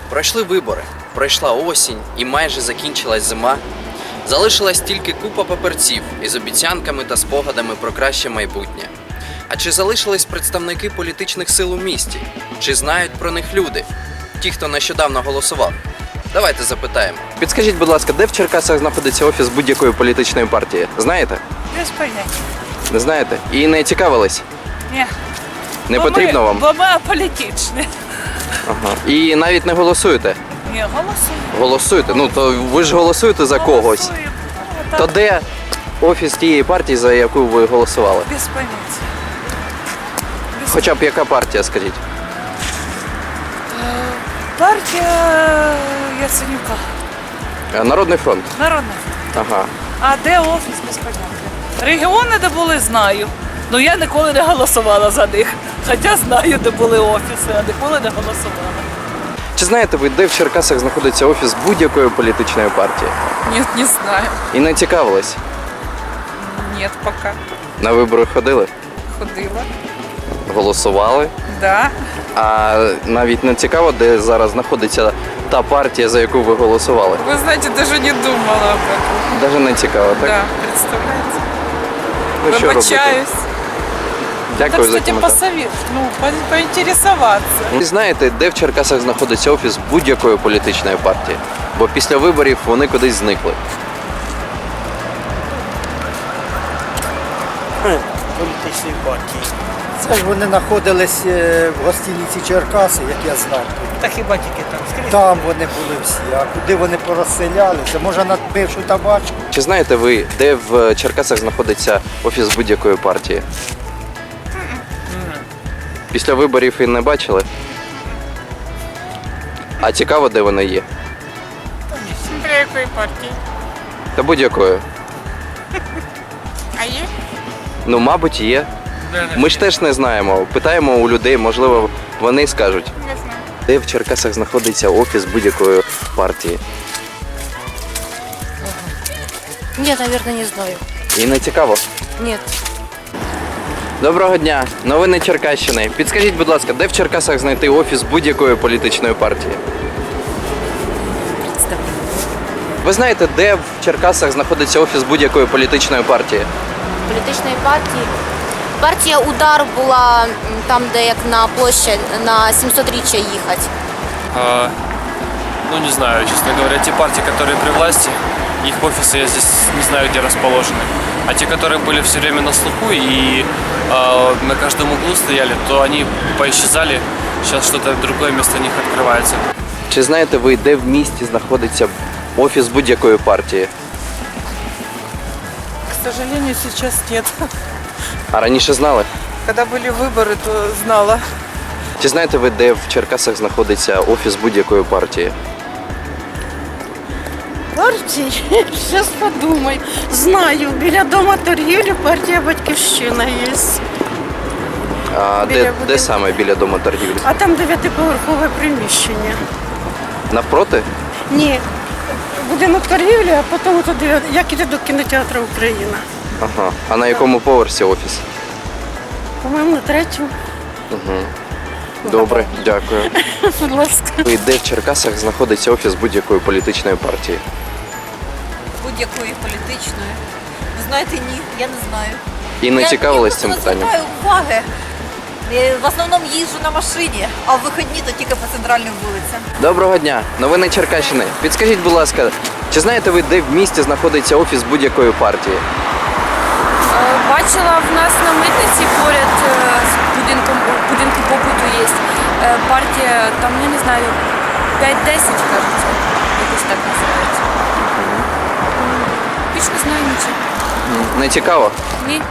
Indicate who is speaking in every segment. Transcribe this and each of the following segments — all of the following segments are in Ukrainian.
Speaker 1: Пройшли вибори, пройшла осінь і майже закінчилась зима. Залишилась тільки купа папірців із обіцянками та спогадами про краще майбутнє. А чи залишились представники політичних сил у місті? Чи знають про них люди? Ті, хто нещодавно голосував? Давайте запитаємо. Підскажіть, будь ласка, де в Черкасах знаходиться офіс будь-якої політичної партії? Знаєте?
Speaker 2: Без поняття.
Speaker 1: Не знаєте? І не цікавились?
Speaker 2: Ні.
Speaker 1: Не потрібно вам?
Speaker 2: Бо ми аполітичні.
Speaker 1: Ага. І навіть не голосуєте?
Speaker 2: Ні, голосуємо.
Speaker 1: Голосуєте? Ну, то ви ж голосуєте за когось.
Speaker 2: Голосуємо.
Speaker 1: То де офіс тієї партії, за яку ви голосували?
Speaker 2: Без поняття.
Speaker 1: Хоча б яка партія, скажіть?
Speaker 2: Партія Яценюка.
Speaker 1: Народний фронт.
Speaker 2: Народна.
Speaker 1: Ага.
Speaker 2: А де офіс, без поняття. Регіони, де були, знаю. Ну я ніколи не голосувала за них. Хоча знаю, де були офіси, а ніколи не голосувала.
Speaker 1: Чи знаєте ви, де в Черкасах знаходиться офіс будь-якої політичної партії?
Speaker 2: Нет, не знаю.
Speaker 1: І не цікавились?
Speaker 2: Нет, пока.
Speaker 1: На вибори ходили?
Speaker 2: Ходила.
Speaker 1: Голосували?
Speaker 2: Да.
Speaker 1: А навіть не цікаво, де зараз знаходиться та партія, за яку ви голосували?
Speaker 2: Вы знаете, даже не думала об этом.
Speaker 1: Навіть не цікаво, так?
Speaker 2: Да, представляете?
Speaker 1: Ну, що робити?
Speaker 2: Вибачаюсь.
Speaker 1: Дякую
Speaker 2: Так,
Speaker 1: за
Speaker 2: кстати,
Speaker 1: коментар.
Speaker 2: посовет, поинтересоваться.
Speaker 1: Ви знаєте, де в Черкасах знаходиться офіс будь-якої політичної партії? Бо після виборів вони кудись зникли.
Speaker 3: Політичної партії. Це ж вони знаходились в гостиниці Черкаси, як я знав.
Speaker 4: Та хіба тільки там скрізь?
Speaker 3: Там вони були всі, а куди вони порозселялися? Може на бившу табачку?
Speaker 1: Чи знаєте ви, де в Черкасах знаходиться офіс будь-якої партії? Після виборів і не бачили? А цікаво, де вони є?
Speaker 2: Для якої партії?
Speaker 1: Та будь-якої.
Speaker 2: А є?
Speaker 1: Ну, мабуть, є. Ми ж теж не знаємо. Питаємо у людей, можливо, вони скажуть.
Speaker 2: Не знаю.
Speaker 1: Де в Черкасах знаходиться офіс будь-якої партії?
Speaker 5: Нет, наверное, не знаю.
Speaker 1: І не цікаво.
Speaker 5: Нет.
Speaker 1: Доброго дня, новини Черкащини. Підскажіть, будь ласка, де в Черкасах знайти офіс будь-якої політичної партії? Ви знаєте, де в Черкасах знаходиться офіс будь-якої політичної партії?
Speaker 5: Політичної партії. Партія «Удар» була там, де як на площадь, на 700-річчя їхати.
Speaker 6: Ну, не знаю, честно говоря, те партии, которые при власти, их офисы я здесь не знаю, где расположены. А те, которые были все время на слуху и на каждом углу стояли, то они поисчезали. Сейчас что-то другое вместо них открывается.
Speaker 1: Чи знаєте ви, де в місті знаходиться офіс будь-якої партії?
Speaker 2: К сожалению, сейчас нет.
Speaker 1: А раніше знали?
Speaker 2: Когда были выборы, то знала.
Speaker 1: Чи знаєте ви, де в Черкасах знаходиться офіс будь-якої партії?
Speaker 7: Партії? Зараз подумай. Знаю, біля дома торгівлі партія «Батьківщина» є.
Speaker 1: А
Speaker 7: Біля
Speaker 1: де
Speaker 7: будинку.
Speaker 1: саме біля дому торгівлі?
Speaker 7: А там 9-поверхове приміщення.
Speaker 1: Навпроти?
Speaker 7: Ні. Будинок торгівлі, а потім туди, як іде до кінотеатру «Україна».
Speaker 1: Ага. А на якому поверсі офіс?
Speaker 7: По-моєму, на 3-му.
Speaker 1: Добре, дякую.
Speaker 7: Будь ласка.
Speaker 1: І де в Черкасах знаходиться офіс будь-якої політичної партії?
Speaker 8: Будь-якої політичної. Ви знаєте, ні, я не знаю.
Speaker 1: І не цікавились
Speaker 8: Я
Speaker 1: цим
Speaker 8: просто не
Speaker 1: питанням?
Speaker 8: звертаю уваги. В основному їжджу на машині, а в вихідні то тільки по центральним вулицям.
Speaker 1: Доброго дня, новини Черкащини. Підскажіть, будь ласка, чи знаєте ви, де в місті знаходиться офіс будь-якої партії?
Speaker 9: Бачила в нас на митниці поряд з будинком побуту є партія, там, я не знаю, 5-10, кажеться, якось так називається. Більш не знаю нічого.
Speaker 1: Не цікаво?
Speaker 9: Ні.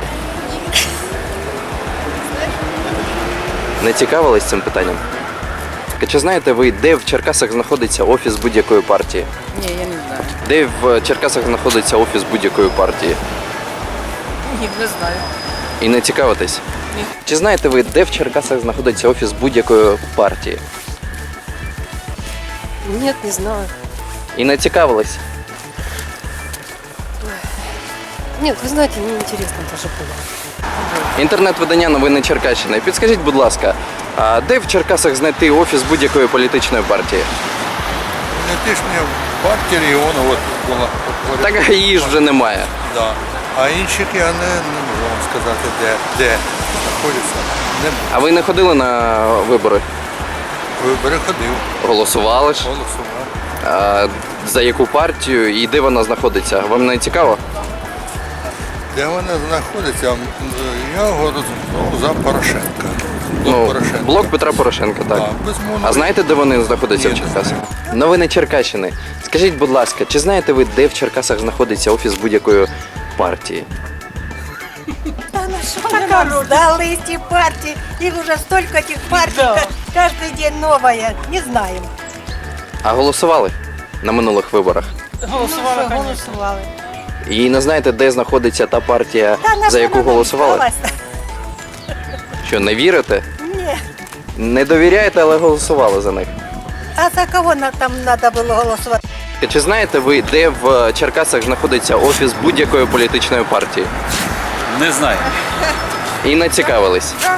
Speaker 1: Не цікавились цим питанням? Чи знаєте ви, де в Черкасах знаходиться офіс будь-якої партії?
Speaker 2: Ні, я не знаю.
Speaker 1: Де в Черкасах знаходиться офіс будь-якої партії?
Speaker 2: Ні, не знаю.
Speaker 1: І не цікавитесь?
Speaker 2: Ні.
Speaker 1: Чи знаєте ви, де в Черкасах знаходиться офіс будь-якої партії?
Speaker 5: Нет, не знаю.
Speaker 1: І не цікавились?
Speaker 5: Нет, вы знаете, мне интересно даже было.
Speaker 1: Інтернет-видання новини Черкащини. Підскажіть, будь ласка, а де в Черкасах знайти офіс будь-якої політичної партії?
Speaker 10: політичні партії регіону от була.
Speaker 1: Так її ж вже немає.
Speaker 10: Да. А інших я не можу вам сказати, де знаходяться.
Speaker 1: А ви не ходили на вибори?
Speaker 10: Вибори ходив,
Speaker 1: Голосували ж?
Speaker 10: голосував.
Speaker 1: А за яку партію і де вона знаходиться? Вам не цікаво?
Speaker 10: Де вона знаходиться? Я голосував за Порошенка.
Speaker 1: Блок Петра Порошенка, так.
Speaker 10: Да, безумовно.
Speaker 1: А знаєте, де вони знаходяться в
Speaker 10: Ні,
Speaker 1: Черкасах? Новини Черкащини. Скажіть, будь ласка, чи знаєте ви, де в Черкасах знаходиться офіс будь-якої партії?
Speaker 7: Сдались эти партии. Их уже столько этих партий.
Speaker 2: Да.
Speaker 7: Каждый день новая. Не знаем.
Speaker 1: А голосували на минулих виборах?
Speaker 2: Голосувала, конечно.
Speaker 7: голосували.
Speaker 1: І не знаєте, де знаходиться та партія, за яку голосували? Що, не вірите?
Speaker 7: Ні.
Speaker 1: Не довіряєте, але голосували за них.
Speaker 7: А за кого там треба було голосувати?
Speaker 1: Чи знаєте ви, де в Черкасах знаходиться офіс будь-якої політичної партії?
Speaker 6: Не знаю.
Speaker 1: І не цікавились?
Speaker 11: Ну,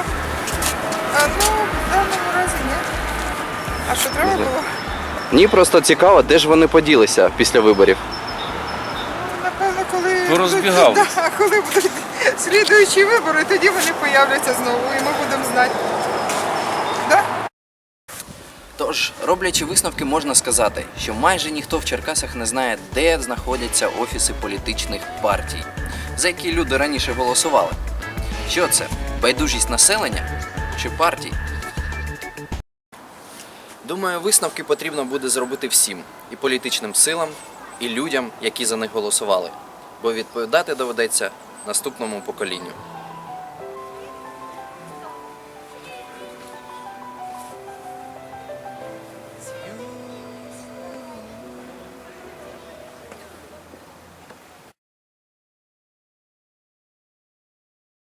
Speaker 11: в даному разі ні. А що треба було?
Speaker 1: Ні, просто цікаво, де ж вони поділися після виборів.
Speaker 11: Напевно, коли
Speaker 6: Порозбігались.
Speaker 11: коли будуть слідуючі вибори, тоді вони появляться знову і ми будемо знати. Да?
Speaker 1: Тож, роблячи висновки, можна сказати, що майже ніхто в Черкасах не знає, де знаходяться офіси політичних партій, за які люди раніше голосували. Що це? Байдужість населення чи партій? Думаю, висновки потрібно буде зробити всім – і політичним силам, і людям, які за них голосували. Бо відповідати доведеться наступному поколінню.